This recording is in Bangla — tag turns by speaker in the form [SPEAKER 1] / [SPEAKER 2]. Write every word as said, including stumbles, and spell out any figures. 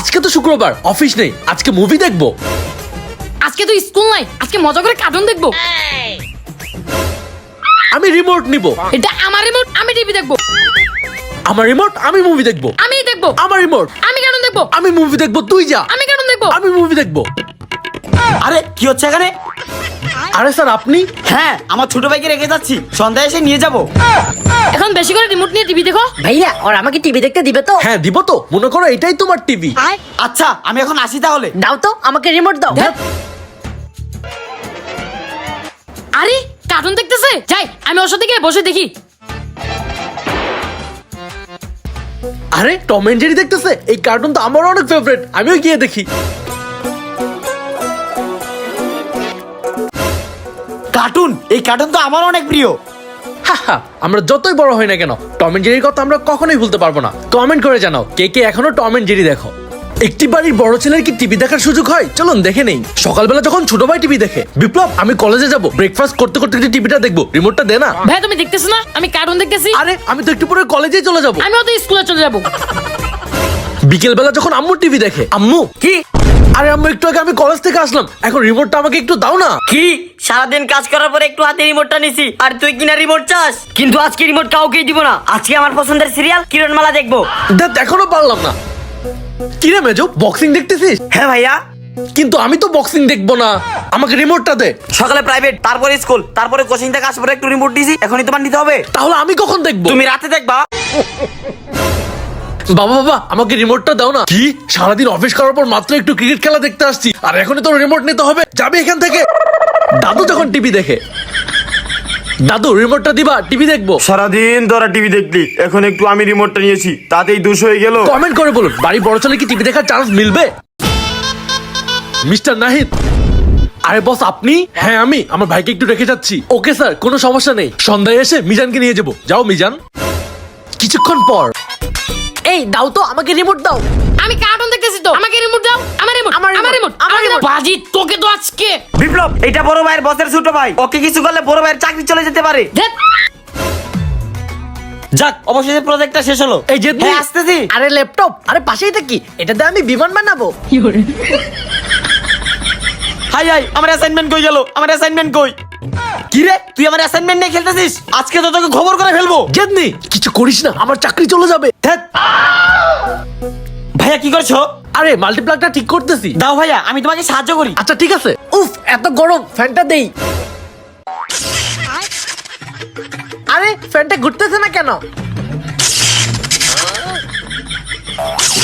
[SPEAKER 1] আজকে তো শুক্রবার, অফিস নেই, আজকে মুভি দেখবো।
[SPEAKER 2] আজকে তো স্কুল নাই, আজকে মজা করে কার্টুন দেখবো।
[SPEAKER 1] আমি রিমোট নিব।
[SPEAKER 2] এটা আমার রিমোট, আমি টিভি দেখবো।
[SPEAKER 1] আমার রিমোট, আমি মুভি দেখবো।
[SPEAKER 2] আমি দেখবো।
[SPEAKER 1] আমার রিমোট,
[SPEAKER 2] আমি কার্টুন দেখবো।
[SPEAKER 1] আমি মুভি দেখবো। তুই যা।
[SPEAKER 2] আমি কার্টুন দেখবো।
[SPEAKER 1] আমি মুভি দেখবো।
[SPEAKER 3] আরে কি হচ্ছে এখানে?
[SPEAKER 1] আরে স্যার আপনি?
[SPEAKER 3] হ্যাঁ, আমার ছোট ভাইকে রেখে যাচ্ছি, সন্ধ্যায় এসে নিয়ে যাব।
[SPEAKER 2] এখন বেশি করে রিমোট নিয়ে টিভি দেখো।
[SPEAKER 4] ভাইয়া ওর আমাকে টিভি দেখতে দিবে তো?
[SPEAKER 1] হ্যাঁ দিব তো, মনে করো এটাই তোমার টিভি।
[SPEAKER 3] আচ্ছা আমি এখন আসি তাহলে।
[SPEAKER 4] দাও তো আমাকে রিমোট দাও।
[SPEAKER 2] আরে কার্টুন দেখতেছে, যাই আমি ওর সাথে গিয়ে বসে দেখি।
[SPEAKER 1] আরে টম এন্ড জেরি দেখতেছে, এই কার্টুন তো আমার অনেক ফেভারিট, আমিও গিয়ে দেখি।
[SPEAKER 3] কার্টুন, এই কার্টুন তো আমার অনেক প্রিয়।
[SPEAKER 1] হাহা, আমরা যতই বড় হই না কেন টম এন্ড জেরির কথা আমরা কখনোই ভুলতে পারবো না। কমেন্ট করে জানাও কে কে এখনো টম এন্ড জেরি দেখো। একটি বাড়ির বড় ছেলের কি টিভি দেখার সুযোগ হয়? চলুন দেখে নেই। সকালবেলা যখন ছোট ভাই টিভি দেখে, বিপ্লব আমি কলেজে যাব, ব্রেকফাস্ট করতে করতে একটু টিভিটা দেখবো, রিমোটটা দে না।
[SPEAKER 2] ভাই তুমি দেখতেছো না আমি কার্টুন দেখতেছি?
[SPEAKER 1] আরে আমি তো একটু পরে কলেজেই চলে যাব।
[SPEAKER 2] আমিও তো স্কুলে চলে যাবো।
[SPEAKER 1] বিকেল বেলা যখন আম্মু টিভি দেখে, আম্মু
[SPEAKER 3] কি?
[SPEAKER 1] আরে আম্মু একটু আগে আমি কলেজ থেকে আসলাম, এখন রিমোটটা আমাকে একটু দাও না।
[SPEAKER 3] কি সারাদিন কাজ করার পরে একটু হাতে রিমোটটা নিছি, আর তুই কিনা রিমোট চাস? কিন্তু আজকে রিমোট কাউকেই দিব না। আজকে আমার পছন্দের সিরিয়াল কিরণমালা দেখবো।
[SPEAKER 1] দেখ এখনো পারলাম না। কিরে মেজো, বক্সিং দেখতেছিস?
[SPEAKER 3] হ্যাঁ ভাইয়া।
[SPEAKER 1] কিন্তু আমি তো বক্সিং দেখবো না, আমাকে রিমোটটা দে।
[SPEAKER 3] সকালে প্রাইভেট, তারপরে স্কুল, তারপরে কোচিং থেকে আসার পরে একটু রিমোট দিছি, এখনই তোমার নিতে হবে।
[SPEAKER 1] তাহলে আমি কখন দেখবো?
[SPEAKER 3] তুমি রাতে দেখবা।
[SPEAKER 1] বাবা বাবা আমাকে রিমোটটা দাও না। কি সারাদিন অফিস করার পর মাত্র একটু ক্রিকেট খেলা দেখতে আসছি, আর এখনই তো রিমোট নিতে হবে? যাবে এখান থেকে। দাদু যখন টিভি দেখে, দাদু রিমোটটা দিবা, টিভি দেখবো।
[SPEAKER 5] সারাদিন তোরা টিভি দেখলি, এখন একটু আমি রিমোটটা নিয়েছি, তাতেই দুশ হয়ে গেল।
[SPEAKER 1] কমেন্ট করে বলুন বাড়ি বড় ছেলে কি টিভি দেখার চান্স মিলবে? মিস্টার নাহিদ। আরে বস আপনি? হ্যাঁ আমি আমার ভাইকে একটু রেখে যাচ্ছি। ওকে স্যার, কোনো সমস্যা নেই, সন্ধ্যায় এসে মিজানকে নিয়ে যাবো। যাও মিজান। কিছুক্ষণ পর,
[SPEAKER 4] এই দাও তো আমাকে রিমোট দাও।
[SPEAKER 2] আমি কার্টুন দেখতেছি তো, আমাকে রিমোট দাও। আমার রিমোট,
[SPEAKER 4] আমার
[SPEAKER 2] আমার রিমোট, আমার রিমোট। বাজি তোকে তো আজকে।
[SPEAKER 3] বিপ্লব, এটা বড় ভাইয়ের বসের ছোট ভাই, ওকে কিছু করলে বড় ভাইয়ের চাকরি চলে যেতে পারে।
[SPEAKER 2] ধ্যাৎ।
[SPEAKER 3] যাক, অবশেষে প্রজেক্টটা শেষ হলো।
[SPEAKER 1] এই যে
[SPEAKER 3] হ্যাঁ আসতেছি।
[SPEAKER 4] আরে ল্যাপটপ, আরে পাশেই থাকি, এটাতে আমি বিমান বানাবো।
[SPEAKER 3] হাই হাই, আমার অ্যাসাইনমেন্ট কই গেল? আমার অ্যাসাইনমেন্ট কই? কি রে, তুই আমার অ্যাসাইনমেন্ট নিয়ে খেলতেছিস? আজকে তো তোকে খবর করে ফেলবো।
[SPEAKER 1] জেদনি কিছু করিস না, আমার চাকরি চলে যাবে।
[SPEAKER 3] ধ্যাৎ। ভাইয়া কি করছো?
[SPEAKER 1] আরে মাল্টিপ্লাগটা ঠিক করতেছি।
[SPEAKER 3] দাও ভাইয়া, আমি তোমাকে সাহায্য করি।
[SPEAKER 1] আচ্ছা ঠিক আছে।
[SPEAKER 4] উফ এত গরম, ফ্যানটা দেই। আরে ফ্যানটা ঘুরতেছে না কেন?